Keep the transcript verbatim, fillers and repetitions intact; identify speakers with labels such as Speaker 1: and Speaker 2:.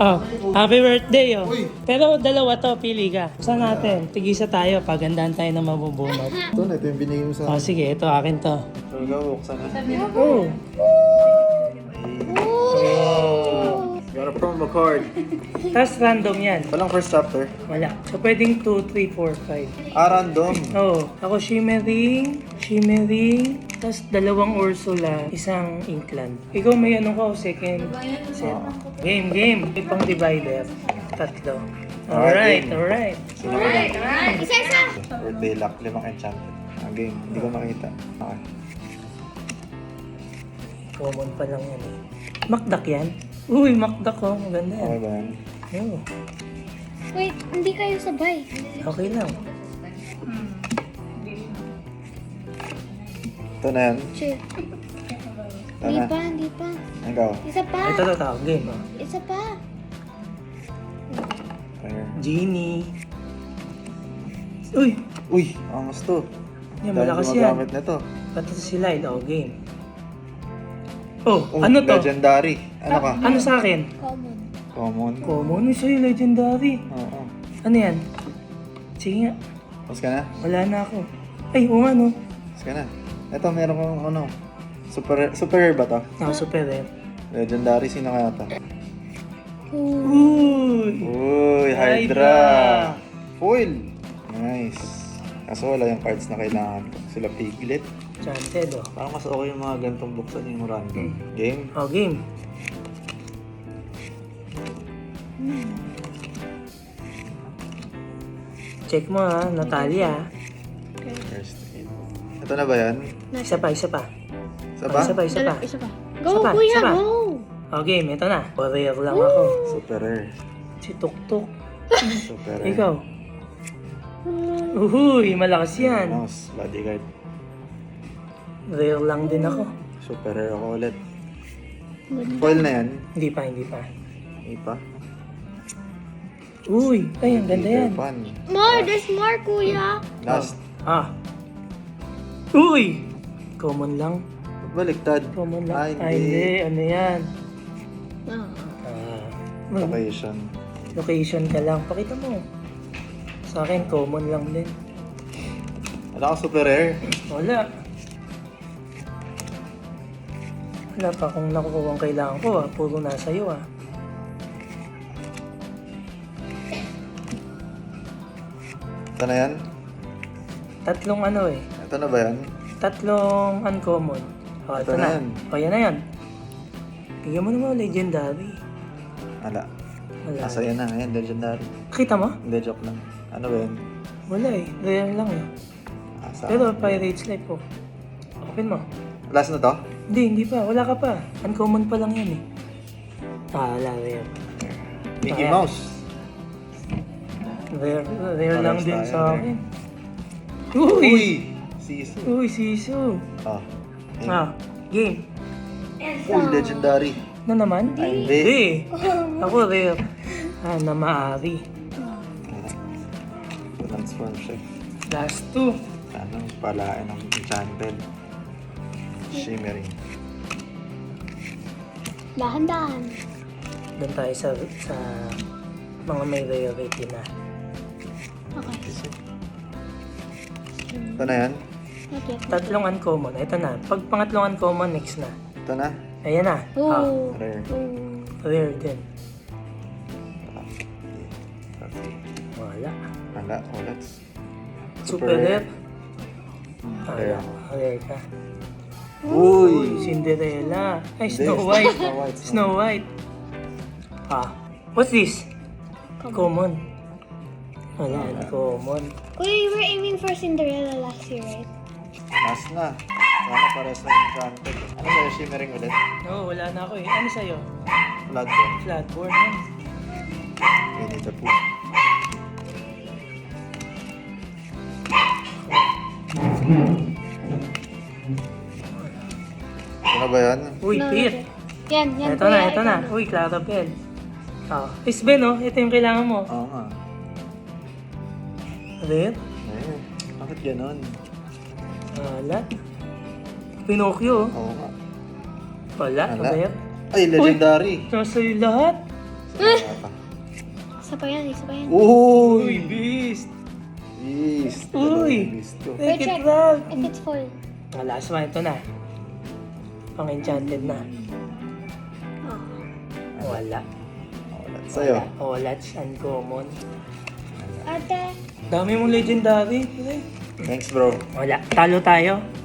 Speaker 1: Oh, happy birthday, oh.
Speaker 2: Uy.
Speaker 1: Pero dalawa to, pili ka. Saan natin? Tigisa tayo, pagandahan tayo ng mabubunot.
Speaker 2: Ito na, ito yung binigay mo sa
Speaker 1: Oh, sige, ito akin to.
Speaker 2: So, ikaw, buksan na.
Speaker 1: Oh.
Speaker 2: Got a promo card.
Speaker 1: Tapos random yan.
Speaker 2: Walang first chapter.
Speaker 1: Wala. So, pwedeng two, three, four, five.
Speaker 2: Ah, random.
Speaker 1: Oh, ako shimmering, shimmering, tapos dalawang Ursula, isang Inkland. Ikaw may ano ko, second set. Game, game. May pang divider. Tatlo. Alright, alright.
Speaker 2: Sino ka na?
Speaker 3: Alright, isa-isa.
Speaker 2: Birthday luck, limang enchanted. Ang game, hindi ko makita. Okay.
Speaker 1: Common pa lang yan eh. Makdak yan? Uy, makdak ko. Maganda yan.
Speaker 2: Okay ba yan?
Speaker 1: Oh,
Speaker 3: Wait, hindi kayo sabay.
Speaker 1: okay lang.
Speaker 2: Ito na yan.
Speaker 3: Chill.
Speaker 2: Ito
Speaker 3: Hindi
Speaker 2: na.
Speaker 3: pa, hindi pa.
Speaker 2: Ikaw.
Speaker 3: Isa pa.
Speaker 1: Ito to, tao. Game, oh.
Speaker 3: Isa pa.
Speaker 2: Here.
Speaker 1: Genie. Uy,
Speaker 2: Uy, angas to.
Speaker 1: yan,
Speaker 2: Dahil
Speaker 1: malakas yan.
Speaker 2: gumagamit na to.
Speaker 1: Pati si Lyle, oh, game. Oh,
Speaker 2: Oh,
Speaker 1: ano to?
Speaker 2: Legendary. Ano ka?
Speaker 1: Ano sa akin?
Speaker 3: Common.
Speaker 2: Common.
Speaker 1: Common, yung sa'yo, legendary.
Speaker 2: Oo.
Speaker 1: Ano yan? Sige nga,
Speaker 2: Pas ka na?
Speaker 1: wala na ako. Ay, oo nga no.
Speaker 2: Pas ka na. Ito, meron kong ano. Super, super rare ba to?
Speaker 1: Ako super rare.
Speaker 2: Legendary, sino kaya to?
Speaker 1: Uy!
Speaker 2: Uy, Hydra.
Speaker 1: Hydra.
Speaker 2: Foil. Nice. Kaso wala yung cards na kailangan ko. Sila Piglet.
Speaker 1: Chanted, oh.
Speaker 2: Parang mas okay yung mga gantong buksan yung random. Game.
Speaker 1: Oh, game. Check mo ha, Natalia.
Speaker 2: First aid. Ito na ba yan?
Speaker 1: Isa pa, isa pa.
Speaker 2: Isa
Speaker 1: Oh,
Speaker 2: ba?
Speaker 1: isa pa, isa pa.
Speaker 3: Isa pa.
Speaker 1: Isa
Speaker 3: Go,
Speaker 1: pa,
Speaker 3: kuya,
Speaker 1: isa pa.
Speaker 3: go.
Speaker 1: Oh, game, ito na. Warrior lang ako.
Speaker 2: Super rare.
Speaker 1: Si Tuktuk.
Speaker 2: Super rare.
Speaker 1: Ikaw. Uhuy, malakas yan.
Speaker 2: Mouse, bodyguard.
Speaker 1: Rare lang din ako.
Speaker 2: Super rare ako ulit. Foil na yan.
Speaker 1: Hindi pa, hindi pa.
Speaker 2: Hindi pa.
Speaker 1: Uy, ay, ang ganda yan.
Speaker 2: Peter Pan.
Speaker 3: More, there's more, kuya.
Speaker 2: Last.
Speaker 1: Ah. Uy! Common lang.
Speaker 2: Baliktad.
Speaker 1: Common lang.
Speaker 2: Ah,
Speaker 1: Ay, hindi. Ano yan?
Speaker 3: Ah.
Speaker 1: Ah.
Speaker 2: Location.
Speaker 1: Location ka lang. Pakita mo. Sa akin, common lang din.
Speaker 2: Wala akong super rare.
Speaker 1: Wala. Wala pa kung nakukuha ang kailangan ko ah. Puro nasa iyo ah.
Speaker 2: Ito na yan?
Speaker 1: Tatlong ano eh.
Speaker 2: Ito na ba yan?
Speaker 1: Tatlong uncommon. O, ito,
Speaker 2: Ito na
Speaker 1: na.
Speaker 2: yan.
Speaker 1: O, yan na yan. Bigyan mo naman legendary.
Speaker 2: Wala.
Speaker 1: Wala.
Speaker 2: Nasa yan na. Ayan, legendary.
Speaker 1: Kita mo?
Speaker 2: Hindi, joke lang. Ano ba yan?
Speaker 1: Wala eh. Rare lang eh.
Speaker 2: Asa?
Speaker 1: Pero Pirates Life po. Open mo.
Speaker 2: Last na to?
Speaker 1: Hindi, hindi pa. Wala ka pa. Uncommon pa lang yan eh. Ah, wala. Rare.
Speaker 2: Mickey
Speaker 1: Ayan.
Speaker 2: Mouse.
Speaker 1: Rare, rare
Speaker 2: Parang
Speaker 1: lang din
Speaker 2: tayo,
Speaker 1: sa
Speaker 2: rare.
Speaker 1: akin. Uy!
Speaker 2: Uy! Sisu.
Speaker 1: Uy, siso.
Speaker 2: Oh. Ayan.
Speaker 1: Ah, game.
Speaker 2: Uy, legendary.
Speaker 1: Na naman?
Speaker 2: Ay, hindi.
Speaker 1: Hindi. Ako rare. Ah, na maaari.
Speaker 2: Transform siya.
Speaker 1: Last two.
Speaker 2: Ano, palain ng enchanted. Shimmering.
Speaker 3: Dahan-dahan.
Speaker 1: Doon tayo sa, sa mga may rarity na.
Speaker 3: Okay.
Speaker 2: Ito na yan?
Speaker 3: Okay.
Speaker 1: Tatlong uncommon. Ito na. Pag pangatlong uncommon, next na.
Speaker 2: Ito na?
Speaker 1: Ayan na. Ah,
Speaker 3: Oh.
Speaker 2: Rare.
Speaker 3: Oh.
Speaker 1: rare din.
Speaker 2: Okay.
Speaker 1: Wala.
Speaker 2: Wala, ulit.
Speaker 1: Super rare. Ah,
Speaker 2: Rare.
Speaker 1: rare ka.
Speaker 2: Uy!
Speaker 1: Cinderella. Ay,
Speaker 2: Hindi,
Speaker 1: Snow White.
Speaker 2: Snow White.
Speaker 1: Snow White. Ah, what's this? Common. Wala, common.
Speaker 3: Kuya, you were aiming for Cinderella last year, right?
Speaker 2: Last na. Sana pares na enchanted. Ano ba yung shimmering ulit?
Speaker 1: No, wala na ako eh. Ano sa'yo?
Speaker 2: Bloodborne.
Speaker 1: Flatborn yan.
Speaker 2: Winnie the Pooh. Ano ba yan?
Speaker 1: Uy,
Speaker 3: No,
Speaker 1: Pir.
Speaker 3: Yan, yan.
Speaker 1: Ito na,
Speaker 3: kuya,
Speaker 1: ito na. Uy, Clarabelle. Ah, Miss Ben, oh. Ito yung kailangan mo.
Speaker 2: Oo nga.
Speaker 1: Rare?
Speaker 2: Ayun. Bakit ganon?
Speaker 1: Wala. Pinocchio, oh.
Speaker 2: Oo nga.
Speaker 1: Wala,
Speaker 2: Wala.
Speaker 1: rare.
Speaker 2: Ay, legendary.
Speaker 1: Nasa iyo lahat.
Speaker 2: Salamat.
Speaker 3: Isa pa yan, isa pa yan.
Speaker 1: Uy,
Speaker 2: Uy!
Speaker 1: beast!
Speaker 2: Beast!
Speaker 1: Uy!
Speaker 2: Beast to.
Speaker 1: Take it
Speaker 3: check.
Speaker 1: back!
Speaker 3: If it's full.
Speaker 1: Ang last one, ito na. Pang-enchanted na.
Speaker 3: Oh.
Speaker 1: Wala.
Speaker 2: Wala sa'yo.
Speaker 1: Oh, that's uncommon.
Speaker 3: Ate.
Speaker 1: Dami mong legendary. pre.
Speaker 2: Thanks bro.
Speaker 1: Wala. Talo tayo.